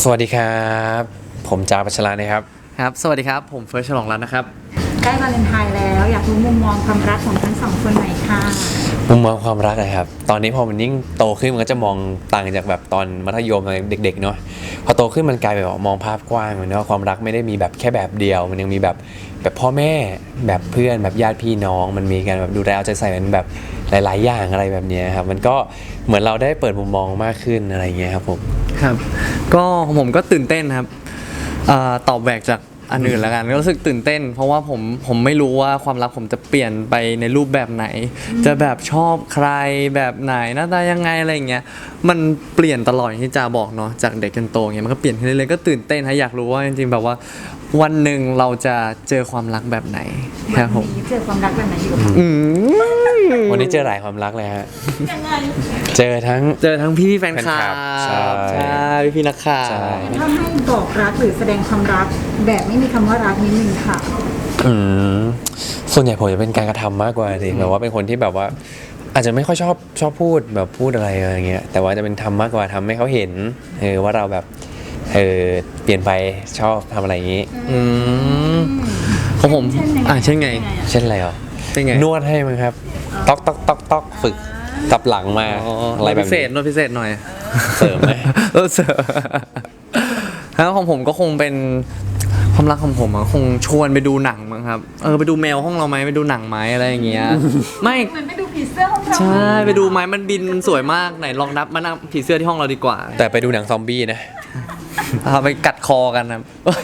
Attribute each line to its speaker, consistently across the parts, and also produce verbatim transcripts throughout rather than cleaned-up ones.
Speaker 1: วัสดีครับผมจาปัชรานะครับ
Speaker 2: ครับสวัสดีครับผมเฟิร์สฉลองรัตน์นะครับ
Speaker 3: ใกล้วาเลนไทน์แล้วอยากรู้มุมมองความรักของทั้งสองคนหน่อยค่ะ
Speaker 1: มุมมองความรักนะครับตอนนี้พอมันยิ่งโตขึ้นมันก็จะมองต่างจากแบบตอนมัธยมเด็กๆเนาะพอโตขึ้นมันกลายเป็นมองภาพกว้างเหมือนว่าความรักไม่ได้มีแบบแค่แบบเดียวมันยังมีแบบแบบพ่อแม่แบบเพื่อนแบบญาติพี่น้องมันมีการแบบดูแลเอาใจใส่เป็นแบบหลายๆอย่างอะไรแบบนี้ครับมันก็เหมือนเราได้เปิดมุมมองมากขึ้นอะไรเงี้ยครับผม
Speaker 2: ครับก็ผมก็ตื่นเต้นครับตอบแบกจากอันอื่นแล้วกันก็รู้สึกตื่นเต้นเพราะว่าผมผมไม่รู้ว่าความรักผมจะเปลี่ยนไปในรูปแบบไหนจะแบบชอบใครแบบไหนหน้าตายังไงอะไรอย่างเงี้ยมันเปลี่ยนตลอดที่จาบอกเนาะจากเด็กจนโตเงี้ยมันก็เปลี่ยนขึ้นเรื่อยๆก็ตื่นเต้นฮะอยากรู้ว่าจริงๆแบบว่าวันหนึ่งเราจะเจอความรักแบบไหนครับผม
Speaker 3: วันนี้เจอความรักแบบไหนอยู่กับ
Speaker 1: วันนี้เจอหลายความรักเลยฮะ
Speaker 3: ยังไง
Speaker 1: เจอทั้ง
Speaker 2: เจอทั้งพี่พี่แฟนคลับ
Speaker 1: ใช่
Speaker 2: ใช่พี่พี่นักข่าว
Speaker 3: ถ้าให้บอกรักหรือแสดงความรักแบบไม่มีคำว่ารักนิดนึงค่ะ
Speaker 1: อืมส่วนใหญ่ผมจะเป็นการกระทำมากกว่าสิแบบว่าเป็นคนที่แบบว่าอาจจะไม่ค่อยชอบชอบพูดแบบพูดอะไรอะไรเงี้ยแต่ว่าจะเป็นทำมากกว่าทำให้เขาเห็นเออว่าเราแบบเออเปลี่ยนไปชอบทำอะไรอย่างนี้
Speaker 2: อืมของผมอ่าเช่นไง
Speaker 1: เช่นอะไรอ่ะ
Speaker 2: เป็นไง
Speaker 1: นวดให้มั้งครับต๊อกต๊อกต๊อกต๊อกฝึกตับหลังมาอะไรแบบ
Speaker 2: พิเศษนวดพิเศษหน่อย
Speaker 1: เสริมไหม
Speaker 2: เออเสริมแล้วของผมก็คงเป็นความรักของผมคงชวนไปดูหนังมั้งครับเออไปดูแมวห้องเราไหมไปดูหนังไหมอะไรอย่างเงี้ยไม่
Speaker 3: เหมือนไปดูผีเสื้อห้องเรา
Speaker 2: ใช่ไปดูไหมมันบินสวยมากไหนลองนับมานั่งผีเสื้อที่ห้องเราดีกว่า
Speaker 1: แต่ไปดูหนังซอมบี้นะ
Speaker 2: เอาไปกัดคอกันนะ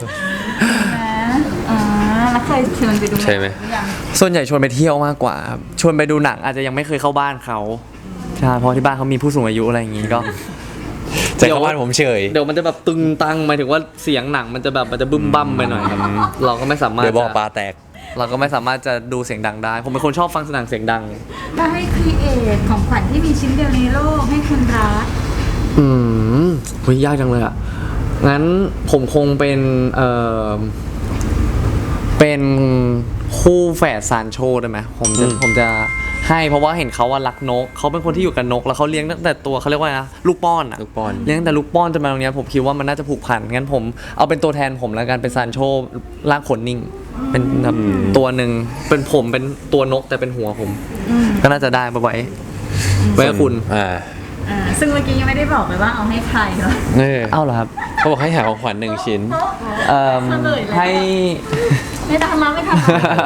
Speaker 3: อ่าแล้วเคยชวนไปดู
Speaker 1: ใช่ไหม
Speaker 2: ส่วนใหญ่ชวนไปเที่ยวมากกว่าชวนไปดูหนังอาจจะยังไม่เคยเข้าบ้านเขาใช่เพราะที่บ้านเขามีผู้สูงอายุอะไรอย่างงี้ก็
Speaker 1: จะเข้าบ้านผมเฉย
Speaker 2: เดี๋ยวมันจะแบบตึงตังหมายถึงว่าเสียงหนังมันจะแบบมันจะบึ้มบั้มไปหน่อยครับเราก็ไม่สามารถ
Speaker 1: เดี๋ยวบอกปลาแตก
Speaker 2: เราก็ไม่สามารถจะดูเสียงดังได้ผมเป็นคนชอบฟังหนังเสียงดัง
Speaker 3: ถ้าให้ครีเอทของขวัญที่มีชิ้นเดียวในโลกให้คนรัก
Speaker 2: อืมเฮ้ยยากจังเลยอ่ะงั้นผมคงเป็นเอ่อเป็นคู่แฝดซานโชได้ไหมผมจะผมจะให้เพราะว่าเห็นเขาว่ารักนกเขาเป็นคนที่อยู่กับนกแล้วเขาเลี้ยงตั้งแต่ตัวเขาเรียกว่านะลูกป้อนอ่ะ
Speaker 1: ลูกป้อน
Speaker 2: เลี้ยงแต่ลูกป้อนจนมาตรงนี้ผมคิดว่ามันน่าจะผูกพันงั้นผมเอาเป็นตัวแทนผมแล้วกันเป็นซานโชร่างขนนิ่งเป็นแบบตัวหนึ่งเป็นผมเป็นตัวนกแต่เป็นหัวผมก็น่าจะได้ไปไว้ไว้กับคุณ
Speaker 1: อ่า
Speaker 3: อ่าซึ่งเมื่อกี้ยังไม่ได้บอกเลยว่าเอาให้ใครเหรอ
Speaker 2: เอาเหรอครับ
Speaker 1: เขาบอกให้หาของขวัญหนึ่งชิ้น
Speaker 2: เอ่อให้
Speaker 3: ไม่ทำมาไม่ทำ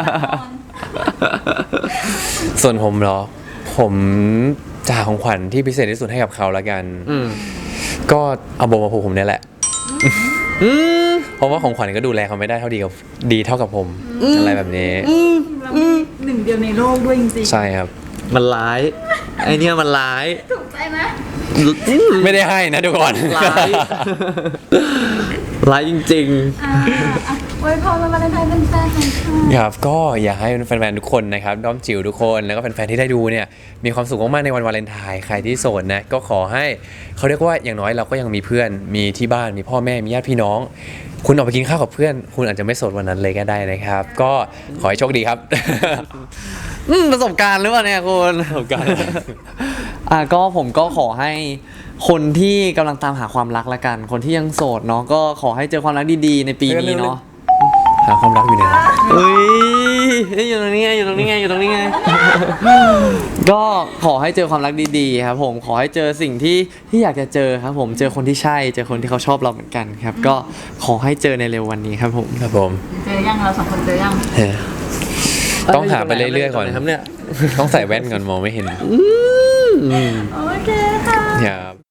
Speaker 1: ส่วนผมเหรอผมจะหาของขวัญที่พิเศษที่สุดให้กับเขาแล้วกันก็เอาโบมาผูกผมเนี่ยแหละเพราะว่าของขวัญก็ดูแลเขาไม่ได้เท่าดีกับดีเท่ากับผมอะไรแบบนี้
Speaker 3: หนึ่งเดียวในโลกด้วยจริงๆ
Speaker 1: ใช่ครับ
Speaker 2: มันร้ายไอเนี้ยมันร้าย
Speaker 3: ถูกใจไหม
Speaker 1: ไม่ได้ให้นะทุกคน
Speaker 2: ร้ายร้ายจริง
Speaker 3: ๆโอ้ยพอมาเป็นไทยเป็นแฟนของเขา
Speaker 1: ครับก็อยากให้แฟนๆทุกคนนะครับด้อมจิ๋วทุกคนแล้วก็แฟนๆที่ได้ดูเนี่ยมีความสุขมากๆในวันวาเลนไทน์ใครที่โสดนะก็ขอให้เขาเรียกว่าอย่างน้อยเราก็ยังมีเพื่อนมีที่บ้านมีพ่อแม่มีญาติพี่น้องคุณออกไปกินข้าวกับเพื่อนคุณอาจจะไม่โสดวันนั้นเลยก็ได้นะครับก็ขอให้โชคดีครับ
Speaker 2: ประสบการณ์หรือเปล่าเนี่ยคุณ
Speaker 1: ประสบการณ์
Speaker 2: อ่ะก็ผมก็ขอให้คนที่กำลังตามหาความรักละกันคนที่ยังโสดเนาะก็ขอให้เจอความรักดีๆในปีนี้เนาะ
Speaker 1: หาความรักอยู่ไหน
Speaker 2: เฮ้ยอยู่ตรงนี้ไงอยู่ตรงนี้ไงอยู่ตรงนี้ไงก็ขอให้เจอความรักดีๆครับผมขอให้เจอสิ่งที่ที่อยากจะเจอครับผมเจอคนที่ใช่เจอคนที่เขาชอบเราเหมือนกันครับก็ขอให้เจอในเร็ววันนี้ครับผม
Speaker 1: ครับผม
Speaker 3: เจอยังเราสองคนเจอยัง
Speaker 1: ต้องหาไปเรื่อยๆก่อน
Speaker 2: ครับเนี่ย
Speaker 1: ต้องใส่แว่นก่อนมองไม่เห็น
Speaker 3: โอเคค่ะ
Speaker 1: ครับ